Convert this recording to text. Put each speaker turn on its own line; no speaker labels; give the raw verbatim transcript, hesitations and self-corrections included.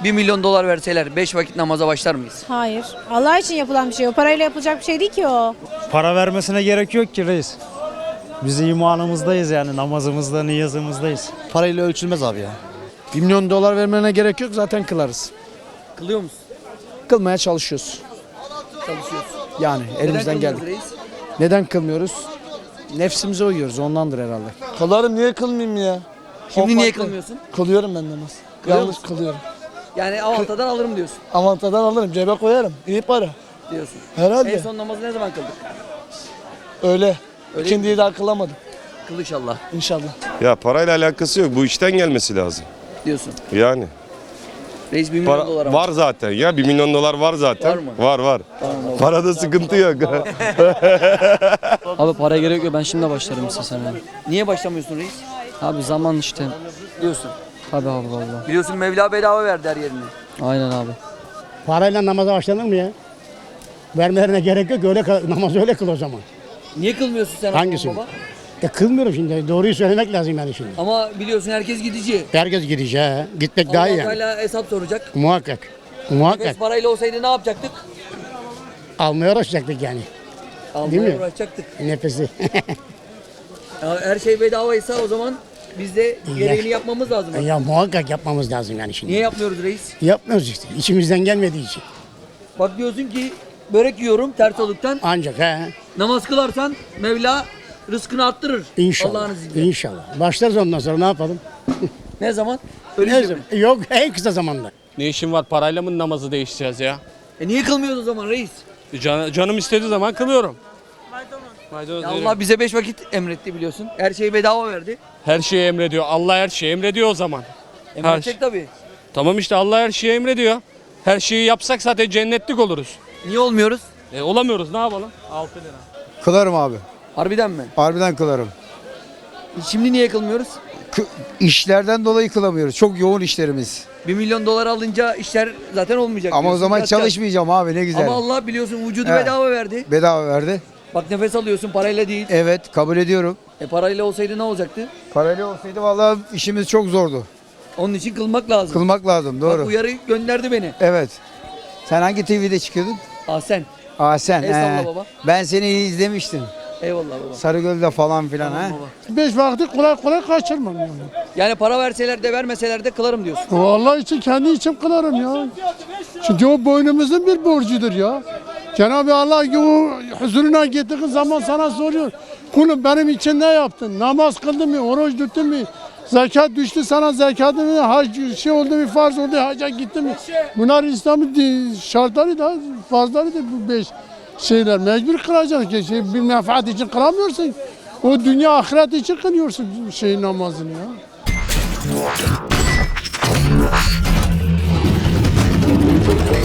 bir milyon dolar verseler beş vakit namaza başlar mıyız?
Hayır. Allah için yapılan bir şey. O parayla yapılacak bir şey değil ki o.
Para vermesine gerek yok ki reis. Biz imanımızdayız yani, namazımızda, niyazımızdayız.
Parayla ölçülmez abi ya. bir milyon dolar vermene gerek yok, zaten kılarız.
Kılıyor musun?
Kılmaya çalışıyoruz.
Çalışıyorsun.
Yani elimizden
Neden
geldi.
kılmıyoruz reis?
Neden kılmıyoruz? Nefsimize uyuyoruz, ondandır herhalde.
Kılarım, niye kılmayayım ya?
Şimdi
O
niye
farklı.
kılmıyorsun?
Kılıyorum ben namaz.
Kılıyor
Yanlış
musun?
kılıyorum.
Yani avantadan alırım diyorsun.
Avantadan alırım, cebe koyarım. İyi para.
Diyorsun.
Herhalde.
En son namazı ne zaman kıldık?
Öyle.
Öyle
İkindiyi daha kılamadım.
Kıl inşallah
İnşallah.
Ya parayla alakası yok. Bu işten gelmesi lazım.
diyorsun.
Yani.
Reis bir milyon
Para,
dolar ama.
var zaten ya. Bir milyon dolar var zaten.
Var mı?
Var var. Parada sıkıntı yok.
Abi paraya gerek yok, ben şimdi başlarım istesem yani.
Niye başlamıyorsun reis?
Abi zaman işte.
Diyorsun.
Tabii abi vallahi.
Biliyorsun Mevla bedava verdi her yerini.
Aynen abi.
Parayla namaza başlanır mı ya? Vermelerine gerek yok. Öyle kıl- namazı öyle kıl o zaman.
Niye kılmıyorsun sen?
Hangisi?
baba?
E kılmıyorum şimdi. Doğruyu söylemek lazım yani şimdi.
Ama biliyorsun herkes gidici.
Herkes gidecek. He. Gitmek daha iyi
Allah
yani.
Teala hesap soracak.
Muhakkak.
Nefes
Muhakkak.
parayla olsaydı ne yapacaktık?
Almaya uğraşacaktık yani. Değil
Almaya
mi?
uğraşacaktık.
Nefesi.
Ya her şey bedavaysa o zaman biz de gereğini yapmamız lazım.
ya muhakkak yapmamız lazım yani şimdi.
Niye yapmıyoruz reis?
Yapmıyoruz işte. İçimizden gelmediği için.
Bak diyorsun ki börek yiyorum ters oluktan.
Ancak he.
Namaz kılarsan Mevla rızkını arttırır.
İnşallah.
Allah'ın izniyle.
İnşallah. Başlarız ondan sonra ne yapalım?
Ne zaman?
Ne
Ölünce mi?
zaman? Yok en kısa zamanda.
Ne işin var, parayla mı namazı değiştireceğiz ya?
E niye kılmıyoruz o zaman reis?
Can, canım istediği zaman kılıyorum. Maydanoz.
Ya
yerim.
Allah bize beş vakit emretti biliyorsun. Her şeyi bedava verdi.
Her şeyi emrediyor. Allah her şeyi emrediyor o zaman.
Emredecek tabii.
Tamam işte Allah her şeyi emrediyor. Her şeyi yapsak zaten cennetlik oluruz.
Niye olmuyoruz?
E, olamıyoruz, ne yapalım? altı lira.
Kılarım abi.
Harbiden mi?
Harbiden kılarım.
Şimdi niye kılmıyoruz?
Kı- işlerden dolayı kılamıyoruz. Çok yoğun işlerimiz.
Bir milyon dolar alınca işler zaten olmayacak.
Ama o
diyorsun.
zaman
Yatacağız.
çalışmayacağım abi, ne güzel.
Ama Allah biliyorsun vücudu
Evet.
bedava verdi.
Bedava verdi.
Bak nefes alıyorsun parayla değil.
Evet, kabul ediyorum.
E parayla olsaydı ne olacaktı?
Parayla olsaydı vallahi işimiz çok zordu.
Onun için kılmak lazım.
Kılmak lazım,
Bak
doğru.
uyarı gönderdi beni.
Evet. Sen hangi T V'de çıkıyordun?
Ah sen.
Aa sen.
Estağfurullah
he.
baba.
Ben seni iyi izlemiştim.
Eyvallah baba.
Sarıgöl'de falan filan
Tamam
ha.
baba.
Beş vakti kolay kolay kaçırmam yani.
Yani para verseler de vermeseler de kılarım diyorsun.
Allah için kendi için kılarım ya. Çünkü o boynumuzun bir borcudur ya. Cenab-ı Allah o huzuruna gittiğin zaman sana soruyor. Kulum benim için ne yaptın? Namaz kıldın mı? Oruç tuttun mu? Zekat düştü sana zekatın mı? Hac şey oldu mu? Farz oldu hacca gittin mi? Bunlar İslam'ın di- şartları da farzları da bu beş şeyler. Mecbur kılacaksın ki şey, bir menfaat için kılamıyorsun. O dünya ahiret için kılıyorsun şey namazını ya.